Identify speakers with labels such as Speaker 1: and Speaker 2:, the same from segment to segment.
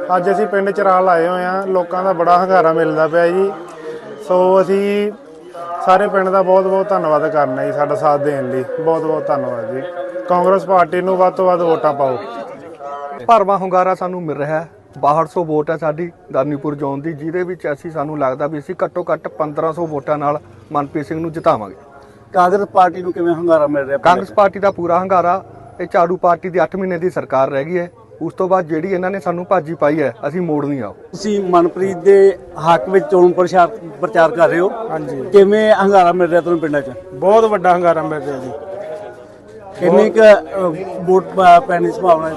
Speaker 1: ਅੱਜ ਅਸੀਂ ਪਿੰਡ ਚਰਾਲ ਆਏ ਹੋਏ ਹਾਂ। ਲੋਕਾਂ ਦਾ ਬੜਾ ਹੰਗਾਰਾ ਮਿਲਦਾ ਪਿਆ ਜੀ। ਸੋ ਅਸੀਂ ਸਾਰੇ ਪਿੰਡ ਦਾ ਬਹੁਤ ਬਹੁਤ ਧੰਨਵਾਦ ਕਰਨਾ ਜੀ, ਸਾਡਾ ਸਾਥ ਦੇਣ ਲਈ ਬਹੁਤ ਬਹੁਤ ਧੰਨਵਾਦ ਜੀ। ਕਾਂਗਰਸ ਪਾਰਟੀ ਨੂੰ ਵੱਧ ਤੋਂ ਵੱਧ ਵੋਟਾਂ ਪਾਓ।
Speaker 2: ਭਰਵਾਂ ਹੁੰਗਾਰਾ ਸਾਨੂੰ ਮਿਲ ਰਿਹਾ ਹੈ। 6200 ਵੋਟ ਹੈ ਸਾਡੀ ਦਾਨੀਪੁਰ ਜ਼ੋਨ ਦੀ, ਜਿਹਦੇ ਵਿੱਚ ਅਸੀਂ ਸਾਨੂੰ ਲੱਗਦਾ ਵੀ ਅਸੀਂ ਘੱਟੋ ਘੱਟ 1500 ਵੋਟਾਂ ਨਾਲ ਮਨਪ੍ਰੀਤ ਸਿੰਘ ਨੂੰ ਜਿਤਾਵਾਂਗੇ।
Speaker 3: ਕਾਂਗਰਸ ਪਾਰਟੀ ਨੂੰ ਕਿਵੇਂ ਹੁੰਗਾਰਾ ਮਿਲ ਰਿਹਾ?
Speaker 2: ਕਾਂਗਰਸ ਪਾਰਟੀ ਦਾ ਪੂਰਾ ਹੰਗਾਰਾ। ਇਹ ਝਾੜੂ ਪਾਰਟੀ ਦੀ 8 ਮਹੀਨੇ ਦੀ ਸਰਕਾਰ ਰਹਿ ਗਈ ਹੈ। ਉਸ ਤੋਂ ਬਾਅਦ ਜਿਹੜੀ ਇਹਨਾਂ ਨੇ ਸਾਨੂੰ ਭਾਜੀ ਪਾਈ ਹੈ, ਅਸੀਂ ਮੋੜਨੀ ਆ।
Speaker 3: ਤੁਸੀਂ ਮਨਪ੍ਰੀਤ ਦੇ ਹੱਕ ਵਿੱਚ ਚੋਣ ਪ੍ਰਚਾਰ ਕਰ ਰਹੇ ਹੋ।
Speaker 1: ਹਾਂਜੀ,
Speaker 3: ਕਿਵੇਂ ਹੰਗਾਰਾ ਮਿਲ ਰਿਹਾ ਤੁਹਾਨੂੰ ਪਿੰਡਾਂ 'ਚ?
Speaker 1: ਬਹੁਤ ਵੱਡਾ ਹੰਗਾਰਾ ਮਿਲ ਰਿਹਾ ਜੀ।
Speaker 3: ਕਿੰਨੀ ਕੁ ਵੋਟ ਪੈਣ ਦੀ ਸੰਭਾਵਨਾ ਹੈ?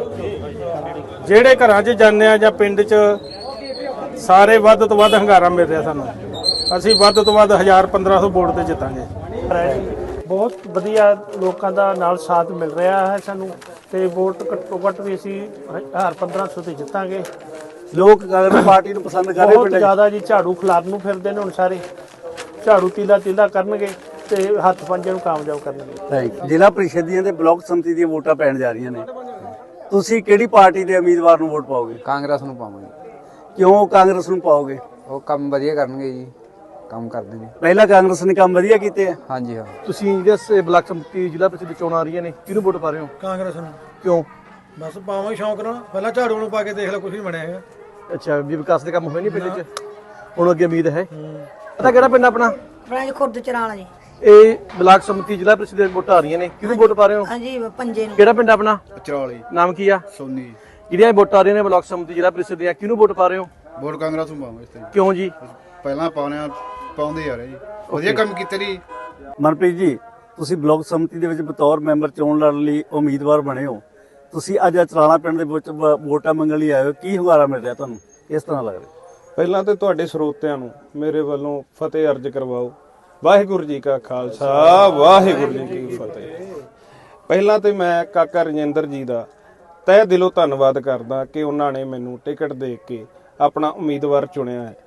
Speaker 1: ਜਿਹੜੇ ਘਰਾਂ 'ਚ ਜਾਂਦੇ ਆ ਜਾਂ ਪਿੰਡ 'ਚ ਸਾਰੇ ਵੱਧ ਤੋਂ ਵੱਧ ਹੰਗਾਰਾ ਮਿਲ ਰਿਹਾ ਸਾਨੂੰ। ਅਸੀਂ ਵੱਧ ਤੋਂ ਵੱਧ 1000-1500 ਵੋਟ ਤੇ ਜਿੱਤਾਂਗੇ। ਬਹੁਤ ਵਧੀਆ ਲੋਕਾਂ ਦਾ ਨਾਲ ਸਾਥ ਮਿਲ ਰਿਹਾ ਹੈ ਸਾਨੂੰ, ਤੇ ਵੋਟ ਘੱਟੋ ਘੱਟ ਵੀ ਅਸੀਂ 1000-1500 ਤੇ ਜਿੱਤਾਂਗੇ।
Speaker 3: ਲੋਕ ਕਾਂਗਰਸ ਪਾਰਟੀ ਨੂੰ ਪਸੰਦ ਕਰ ਰਹੇ
Speaker 1: ਬਹੁਤ
Speaker 3: ਪਿੰਡਾਂ 'ਚ?
Speaker 1: ਜ਼ਿਆਦਾ ਜੀ। ਝਾੜੂ ਖਿਲਾਫ ਨੂੰ ਫਿਰਦੇ ਨੇ ਹੁਣ ਸਾਰੇ। ਝਾੜੂ ਤੀਲਾ ਕਰਨਗੇ ਤੇ ਹੱਥ ਪੰਜੇ ਨੂੰ ਕਾਮਯਾਬ ਕਰਨਗੇ।
Speaker 3: ਜ਼ਿਲ੍ਹਾ ਪ੍ਰੀਸ਼ਦ ਦੀਆਂ ਤੇ ਬਲਾਕ ਸੰਮਤੀ ਦੀਆਂ ਵੋਟਾਂ ਪੈਣ ਜਾ ਰਹੀਆਂ ਨੇ। ਤੁਸੀਂ ਕਿਹੜੀ ਪਾਰਟੀ ਦੇ ਉਮੀਦਵਾਰ ਨੂੰ ਵੋਟ ਪਾਓਗੇ?
Speaker 4: ਕਾਂਗਰਸ ਨੂੰ ਪਾਵਾਂਗੇ।
Speaker 3: ਕਿਉਂ ਕਾਂਗਰਸ ਨੂੰ ਪਾਓਗੇ?
Speaker 4: ਉਹ ਕੰਮ ਵਧੀਆ ਕਰਨਗੇ ਜੀ, ਕੰਮ ਕਰਦੇ ਨੇ।
Speaker 3: ਪਹਿਲਾਂ ਕਾਂਗਰਸ ਨੇ ਕੰਮ ਵਧੀਆ ਕੀਤੇ ਆ।
Speaker 4: ਹਾਂਜੀ ਹਾਂ।
Speaker 2: ਤੁਸੀਂ ਜਿਹੜੇ ਬਲਾਕ ਸੰਮਤੀ ਜ਼ਿਲ੍ਹਾ ਪ੍ਰੀਸ਼ਦ ਚੋਣਾਂ ਆ ਰਹੀਆਂ ਨੇ, ਕਿਹਨੂੰ ਵੋਟ ਪਾ ਰਹੇ ਹੋ?
Speaker 5: ਕਾਂਗਰਸ ਨੂੰ।
Speaker 2: ਕਿਉਂ?
Speaker 5: ਬਸ ਪਾਵਾਂਗੇ ਸ਼ੌਂਕ ਨਾਲ। ਪਹਿਲਾਂ ਝਾੜੂ ਨੂੰ ਪਾ ਕੇ ਦੇਖ ਲਓ, ਕੁਝ ਨਹੀਂ ਬਣਿਆ ਹੈਗਾ।
Speaker 2: ਅੱਛਾ, ਵੀ ਵਿਕਾਸ ਦੇ ਕੰਮ ਹੋਏ ਨਹੀਂ ਪਿੰਡ 'ਚ? ਹੁਣ ਅੱਗੇ ਉਮੀਦ ਹੈ। ਪਤਾ ਕਿਹੜਾ ਪਿੰਡ ਆਪਣਾ?
Speaker 6: ਆਪਣਾ ਖੁਰਦ ਚਰਾਲਾ ਜੀ।
Speaker 2: ਇਹ ਬਲਾਕ ਸੰਮਤੀ ਜ਼ਿਲ੍ਹਾ ਪ੍ਰੀਸ਼ਦ ਦੀਆਂ ਵੋਟਾਂ ਆ ਰਹੀਆਂ ਨੇ, ਕਿਹਨੂੰ ਵੋਟ ਪਾ ਰਹੇ ਹੋ?
Speaker 6: ਹਾਂਜੀ, ਪੰਜੇ ਨੂੰ।
Speaker 2: ਕਿਹੜਾ ਪਿੰਡ ਆਪਣਾ?
Speaker 7: ਚਰਾਲੀ
Speaker 2: ਨਾਮ ਕੀ ਆ?
Speaker 7: ਸੋਨੀ।
Speaker 2: ਜਿਹੜੀਆਂ ਵੋਟਾਂ ਆ ਰਹੀਆਂ ਨੇ ਬਲਾਕ ਸੰਮਤੀ ਜ਼ਿਲ੍ਹਾ ਪ੍ਰੀਸ਼ਦ ਦੀਆਂ, ਕਿਹਨੂੰ ਵੋਟ ਪਾ ਰਹੇ ਹੋ?
Speaker 7: ਵੋਟ ਕਾਂਗਰਸ ਨੂੰ ਪਾਵਾਂਗੇ। ਇਸ ਤੇ
Speaker 2: ਕਿਉਂ ਜੀ?
Speaker 7: ਪਹਿਲਾਂ ਪਾਉਂਦੇ ਆ ਰਹੇ ਜੀ, ਵਧੀਆ ਕੰਮ ਕੀਤੇ ਜੀ।
Speaker 3: ਮਨਪ੍ਰੀਤ ਜੀ, ਤੁਸੀਂ ਬਲਾਕ ਸੰਮਤੀ ਦੇ ਵਿੱਚ ਬਤੌਰ ਮੈਂਬਰ ਚੋਣ ਲੜਨ ਲਈ ਉਮੀਦਵਾਰ ਬਣੇ ਹੋ। ਤੁਸੀਂ ਅੱਜ ਚਰਾਲਾ ਪਿੰਡ ਦੇ ਵਿੱਚ ਵੋਟਾਂ ਮੰਗਣ ਲਈ ਆਏ ਹੋ। ਕੀ ਹੁੰਗਾਰਾ ਮਿਲ ਰਿਹਾ ਤੁਹਾਨੂੰ? ਕਿਸ ਤਰ੍ਹਾਂ ਲੱਗ ਰਿਹਾ?
Speaker 1: ਪਹਿਲਾਂ ਤੇ ਤੁਹਾਡੇ ਸਰੋਤਿਆਂ ਨੂੰ ਮੇਰੇ ਵੱਲੋਂ ਫਤਿਹ ਅਰਜ ਕਰਵਾਓ। ਵਾਹਿਗੁਰੂ ਜੀ ਕਾ ਖਾਲਸਾ, ਵਾਹਿਗੁਰੂ ਜੀ ਕੀ ਫਤਿਹ। ਪਹਿਲਾਂ ਤੇ ਮੈਂ ਕਾਕਾ ਰਜਿੰਦਰ ਜੀ ਦਾ ਤਹਿ ਦਿਲੋਂ ਧੰਨਵਾਦ ਕਰਦਾ ਕਿ ਉਹਨਾਂ ਨੇ ਮੈਨੂੰ ਟਿਕਟ ਦੇ ਕੇ ਆਪਣਾ ਉਮੀਦਵਾਰ ਚੁਣਿਆ ਹੈ।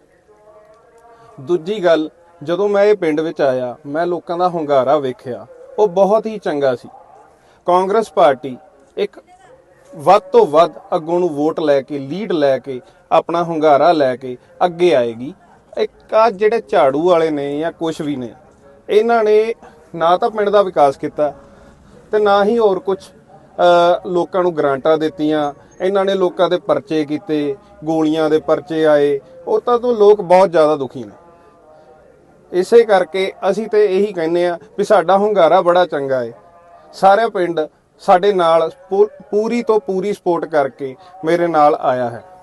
Speaker 1: ਦੂਜੀ ਗੱਲ, ਜਦੋਂ ਮੈਂ ਇਹ ਪਿੰਡ ਵਿੱਚ ਆਇਆ, ਮੈਂ ਲੋਕਾਂ ਦਾ ਹੁੰਗਾਰਾ ਵੇਖਿਆ, ਉਹ ਬਹੁਤ ਹੀ ਚੰਗਾ ਸੀ। ਕਾਂਗਰਸ ਪਾਰਟੀ ਇੱਕ ਵੱਧ ਤੋਂ ਵੱਧ ਅੱਗੋਂ ਨੂੰ ਵੋਟ ਲੈ ਕੇ, ਲੀਡ ਲੈ ਕੇ, ਆਪਣਾ ਹੁੰਗਾਰਾ ਲੈ ਕੇ ਅੱਗੇ ਆਏਗੀ। ਇੱਕ ਆ ਜਿਹੜੇ ਝਾੜੂ ਵਾਲੇ ਨੇ ਜਾਂ ਕੁਛ ਵੀ ਨੇ, ਇਹਨਾਂ ਨੇ ਨਾ ਤਾਂ ਪਿੰਡ ਦਾ ਵਿਕਾਸ ਕੀਤਾ ਤੇ ਨਾ ਹੀ ਹੋਰ ਕੁਝ ਲੋਕਾਂ ਨੂੰ ਗਰਾਂਟਾਂ ਦਿੱਤੀਆਂ। ਇਹਨਾਂ ਨੇ ਲੋਕਾਂ ਦੇ ਪਰਚੇ ਕੀਤੇ, ਗੋਲੀਆਂ ਦੇ ਪਰਚੇ ਆਏ, ਉਹ ਤਾਂ ਲੋਕ ਬਹੁਤ ਜ਼ਿਆਦਾ ਦੁਖੀ ਨੇ। ਇਸੇ ਕਰਕੇ ਅਸੀਂ ਤੇ ਇਹੀ ਕਹਿੰਦੇ ਆ ਵੀ ਸਾਡਾ ਹੁੰਗਾਰਾ ਬੜਾ ਚੰਗਾ ਹੈ। ਸਾਰੇ ਪਿੰਡ ਸਾਡੇ ਨਾਲ ਪੂਰੀ ਤੋਂ ਪੂਰੀ ਸਪੋਰਟ ਕਰਕੇ ਮੇਰੇ ਨਾਲ ਆਇਆ ਹੈ।